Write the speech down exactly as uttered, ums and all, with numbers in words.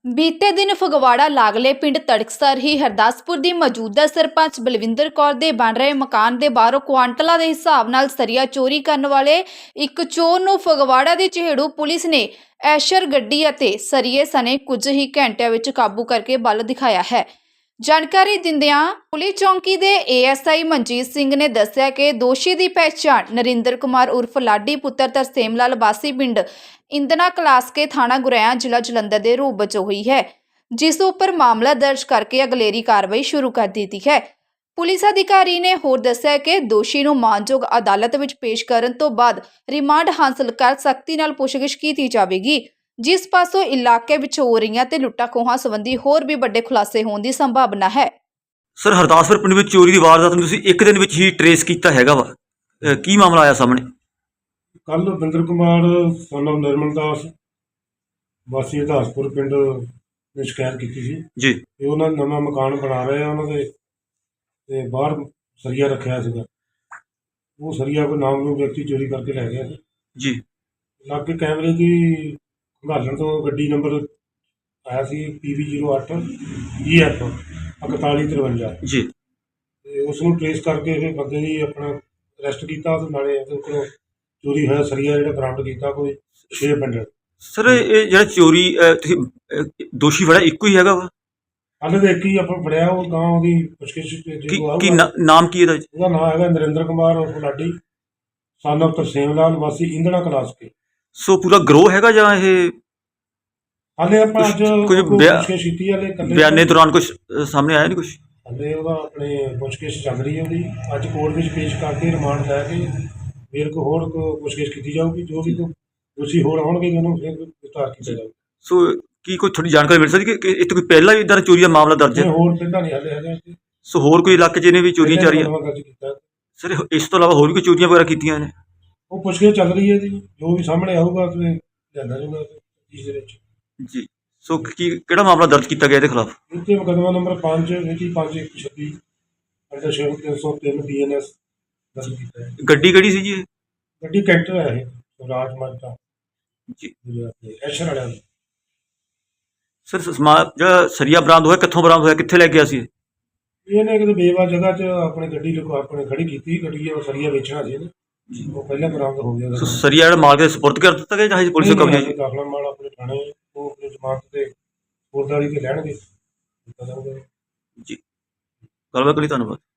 ਬੀਤੇ ਦਿਨ ਫਗਵਾੜਾ ਲਾਗਲੇ ਪਿੰਡ ਤੜਕਸਰ ਹੀ ਹਰਦਾਸਪੁਰ ਦੀ ਮੌਜੂਦਾ ਸਰਪੰਚ ਬਲਵਿੰਦਰ ਕੌਰ ਦੇ ਬਣ ਰਹੇ ਮਕਾਨ ਦੇ ਬਾਹਰੋਂ ਕੁਆਂਟਲਾਂ ਦੇ ਹਿਸਾਬ ਨਾਲ ਸਰੀਆ ਚੋਰੀ ਕਰਨ ਵਾਲੇ ਇੱਕ ਚੋਰ ਨੂੰ ਫਗਵਾੜਾ ਦੀ ਚਿਹੜੂ ਪੁਲਿਸ ਨੇ ਐਸ਼ਰ ਗੱਡੀ ਅਤੇ ਸਰੀਏ ਸਣੇ ਕੁਝ ਹੀ ਘੰਟਿਆਂ ਵਿੱਚ ਕਾਬੂ ਕਰਕੇ ਬਲ ਦਿਖਾਇਆ ਹੈ। ਜਾਣਕਾਰੀ ਦਿੰਦਿਆਂ ਪੁਲਿਸ ਚੌਂਕੀ ਦੇ A S I Manjit Singh ਨੇ ਦੱਸਿਆ ਕਿ ਦੋਸ਼ੀ ਦੀ ਪਹਿਚਾਣ ਨਰਿੰਦਰ ਕੁਮਾਰ ਉਰਫ ਲਾਡੀ ਪੁੱਤਰ ਤਰਸੇਮ ਲਾਲ ਵਾਸੀ ਪਿੰਡ ਇੰਦਨਾ ਕਲਾਸਕੇ ਥਾਣਾ ਗੁਰੇਆ ਜ਼ਿਲ੍ਹਾ ਜਲੰਧਰ ਦੇ ਰੂਪ ਵਜੋਂ ਹੋਈ ਹੈ, ਜਿਸ ਉੱਪਰ ਮਾਮਲਾ ਦਰਜ ਕਰਕੇ ਅਗਲੇਰੀ ਕਾਰਵਾਈ ਸ਼ੁਰੂ ਕਰ ਦਿੱਤੀ ਹੈ। ਪੁਲਿਸ ਅਧਿਕਾਰੀ ਨੇ ਹੋਰ ਦੱਸਿਆ ਕਿ ਦੋਸ਼ੀ ਨੂੰ ਮਾਨਯੋਗ ਅਦਾਲਤ ਵਿੱਚ ਪੇਸ਼ ਕਰਨ ਤੋਂ ਬਾਅਦ ਰਿਮਾਂਡ ਹਾਸਲ ਕਰ ਸਖਤੀ ਨਾਲ ਪੁੱਛਗਿੱਛ ਕੀਤੀ ਜਾਵੇਗੀ, ਜਿਸ ਪਾਸੋਂ ਇਲਾਕੇ ਵਿੱਚ ਹੋ ਰਹੀਆਂ ਤੇ ਲੁੱਟਾਂ ਖੋਹਾਂ ਸੰਬੰਧੀ ਹੋਰ ਵੀ ਵੱਡੇ ਖੁਲਾਸੇ ਹੋਣ ਦੀ ਸੰਭਾਵਨਾ ਹੈ। ਸਰ, ਹਰਦਾਸਪੁਰ ਪਿੰਡ ਵਿੱਚ ਚੋਰੀ ਦੀ ਵਾਰਦਾਤ ਨੂੰ ਤੁਸੀਂ ਇੱਕ ਦਿਨ ਵਿੱਚ ਹੀ ਟਰੇਸ ਕੀਤਾ ਹੈਗਾ ਵਾ, ਅਹ ਕੀ ਮਾਮਲਾ ਆਇਆ ਸਾਹਮਣੇ? ਕੱਲ ਬਿੰਦਰ ਕੁਮਾਰ ਸਾਨੂੰ ਨਿਰਮਲ ਦਾਸ ਵਾਸੀ ਹਰਦਾਸਪੁਰ ਪਿੰਡ ਨੇ ਸ਼ਿਕਾਇਤ ਕੀਤੀ ਸੀ ਜੀ ਕਿ ਉਹਨਾਂ ਨਵਾਂ ਮਕਾਨ ਬਣਾ ਰਹੇ ਆ, ਉਹਨਾਂ ਦੇ ਤੇ ਬਾਹਰ ਸਰੀਆ ਰੱਖਿਆ ਸੀਗਾ। ਉਹ ਸਰੀਆ ਕੋਈ ਨਾਮ ਨੂੰ ਵਿਅਕਤੀ ਚੋਰੀ ਕਰਕੇ ਲੈ ਗਿਆ ਸੀ ਜੀ। ਲਾਗੇ ਕੈਮਰੇ ਦੀ ਖੰਗਾਲਣ ਤੋਂ ਗੱਡੀ ਨੰਬਰ ਆਇਆ ਸੀ ਪੀ ਵੀ ਜ਼ੀਰੋ ਅੱਠ ਈ ਐਫ ਇਕਤਾਲੀ ਤਰਵੰਜਾ ਜੀ ਤੇ ਉਸ ਨੂੰ ਟਰੇਸ ਕਰਕੇ ਇਹ ਬੰਦੇ ਦੀ ਆਪਣਾ ਅਰੈਸਟ ਕੀਤਾ ਤੇ ਨਾਲੇ ਉਹਦੇ ਕੋਲੋਂ ਚੋਰੀ ਹੋਇਆ ਸਰੀਆ ਜਿਹੜਾ ਬਰਾਮਦ ਕੀਤਾ ਕੋਈ ਛੇ ਬੰਡਲ। ਸਰ, ਇਹ ਜਿਹੜਾ ਚੋਰੀ ਅਹ, ਤੁਸੀਂ ਅਹ, ਦੋਸ਼ੀ ਫੜਿਆ ਇੱਕੋ ਹੀ ਹੈਗਾ ਵਾ? ਹਾਲੇ ਤਾਂ ਇੱਕ ਹੀ ਆਪਾਂ ਫੜਿਆ, ਉਹ ਗਾਂ ਉਹਦੀ ਪੁੱਛਗਿੱਛ ਕੀ ਜਦੋਂ ਕੀ ਆਊਗਾ। ਨਾ- ਨਾਮ ਕੀ ਇਹਦਾ? ਉਹਦਾ ਨਾਮ ਹੈਗਾ ਨਰਿੰਦਰ ਕੁਮਾਰ ਉਰਫ ਲਾਡੀ son of ਤਰਸੇਮ ਲਾਲ ਵਾਸੀ ਇੰਦਣਾ ਕਲਾਸਕੇ। ਸੋ ਪੂਰਾ ਗਰੋਹ ਹੈਗਾ ਜਾਂ ਇਹ ਹਾਲੇ ਆਪਾਂ ਅੱਜ ਕੁਛ- ਕੁਝ ਉਹਨੂੰ ਬਿਆ- ਪੁੱਛਗਿੱਛ ਕੀਤੀ ਹਾਲੇ ਇਕੱਲੇ ਬਿਆਨੇ ਦੌਰਾਨ ਕੁਝ ਸਾਹਮਣੇ ਆਇਆ ਨਹੀਂ ਕੁਝ? ਹਾਲੇ ਉਹਦਾ ਆਪਣੇ ਪੁੱਛਗਿੱਛ ਚੱਲ ਰਹੀ ਹੈ ਉਹਦੀ। ਅੱਜ ਕੋਰਟ ਵਿੱਚ ਪੇਸ਼ ਕਰਕੇ ਰਿਮਾਂਡ ਲੈ ਕੇ ਫਿਰ ਕੋਈ ਹੋਰ ਕੋ ਪੁੱਛਗਿੱਛ ਕੀਤੀ ਜਾਊਗੀ। ਜੋ ਵੀ ਕੋਈ ਦੋਸ਼ੀ ਹੋਰ ਆਉਣਗੇ ਉਹਨੂੰ ਫਿਰ ਗ੍ਰਿਫਤਾਰ ਕੀਤਾ ਜਾਊਗਾ। ਸੋ ਕੀ ਕੋਈ ਥੋੜੀ ਜਾਣਕਾਰੀ ਮਿਲ ਸਕਦੀ ਕਿ ਇੱਥੇ ਕੋਈ ਪਹਿਲਾਂ ਵੀ ਇਦਾਂ ਚੋਰੀ ਦਾ ਮਾਮਲਾ ਦਰਜ ਜੇ ਹੈ? ਹੋਰ ਪਿੰਡਾਂ ਨਹੀਂ ਹਾਲੇ ਹੈਗਾ ਇੱਥੇ। ਸੋ ਹੋਰ ਕੋਈ ਇਲਾਕੇ 'ਚ ਇਹਨੇ ਵੀ ਚੋਰੀਆਂ ਚਾਰੀਆਂ? ਨਵਾਂ ਦਰਜ ਕੀਤਾ। ਸਰ, ਇਸ ਤੋਂ ਇਲਾਵਾ ਹੋਰ ਵੀ ਕੋਈ ਚੋਰੀਆਂ ਵਗੈਰਾ ਕੀਤੀਆਂ ਨੇ? ਉਹ ਪੁੱਛਗਿੱਛ ਚੱਲ ਰਹੀ ਹੈ ਜੀ, ਜੋ ਵੀ ਸਾਹਮਣੇ ਆਊਗਾ ਤੇ ਲਿਆਂਦਾ ਜਾਊਗਾ ਇਸ ਦੇ ਵਿੱਚ। ਜੀ। ਸੋ ਕੀ ਕਿਹੜਾ ਮਾਮਲਾ ਦਰਜ ਕੀਤਾ ਗਿਆ ਇਹਦੇ ਖਿਲਾਫ? ਇੱਥੇ ਮੁਕੱਦਮਾ ਨੰਬਰ ਪੰਜ ਮਿਤੀ ਪੰਜ ਇੱਕ ਛੱਬੀ ਅੰਡਰ ਛੇ ਤਿੰਨ ਸੌ ਤਿੰਨ ਬੀ ਐਨ ਐਸ ਦਰਜ ਕੀਤਾ ਹੈ। ਗੱਡੀ ਕਿਹੜੀ ਸੀ ਜੀ ਇਹ? ਗੱਡੀ ਕੈਂਟਰ ਹੈ ਇਹ ਰਾਜ ਮਾਰਕਾ ਜੀ। ਐਸ਼ਰ ਵਾਲਿਆਂ ਦੀ। ਸਰ, ਸਮਾ ਜਿਹੜਾ ਸਰੀਆ ਬਰਾਮਦ ਹੋਇਆ ਕਿੱਥੋਂ ਬਰਾਮਦ ਹੋਇਆ, ਕਿੱਥੇ ਲੈ ਗਿਆ ਸੀ ਇਹ? ਇਹਨੇ ਕਿਤੇ ਬੇਵਾ ਜਗ੍ਹਾ 'ਚ ਆਪਣੀ ਗੱਡੀ ਲੁਕਾ ਆਪਣੇ ਖੜੀ ਕੀਤੀ। ਗੱਡੀ ਉਹ ਸਰੀਆ ਵੇਚਣਾ ਸੀ ਇਹਨੇ, ਜੀ। ਉਹ ਪਹਿਲਾਂ ਬਰਾਮਦ ਹੋ ਗਿਆ। ਸੋ ਸਰੀਆ ਜਿਹੜਾ ਮਾਲਕ ਦੇ ਸਪੁਰਦ ਕਰ ਦਿੱਤਾ ਗਿਆ ਜਾਂ ਹਜੇ ਪੁਲਿਸ ਕੋਲ ਕਬਜ਼ੇ 'ਚ? ਦਾਖਲਾ ਮਾਲ ਆਪਣੇ ਥਾਣੇ ਉਹ ਆਪਣੀ ਜ਼ਮਾਨਤ ਤੇ ਫੌਜਦਾਰੀ ਤੇ ਲੈਣਗੇ। ਜੀ। ਗੱਲਬਾਤ ਲਈ ਧੰਨਵਾਦ।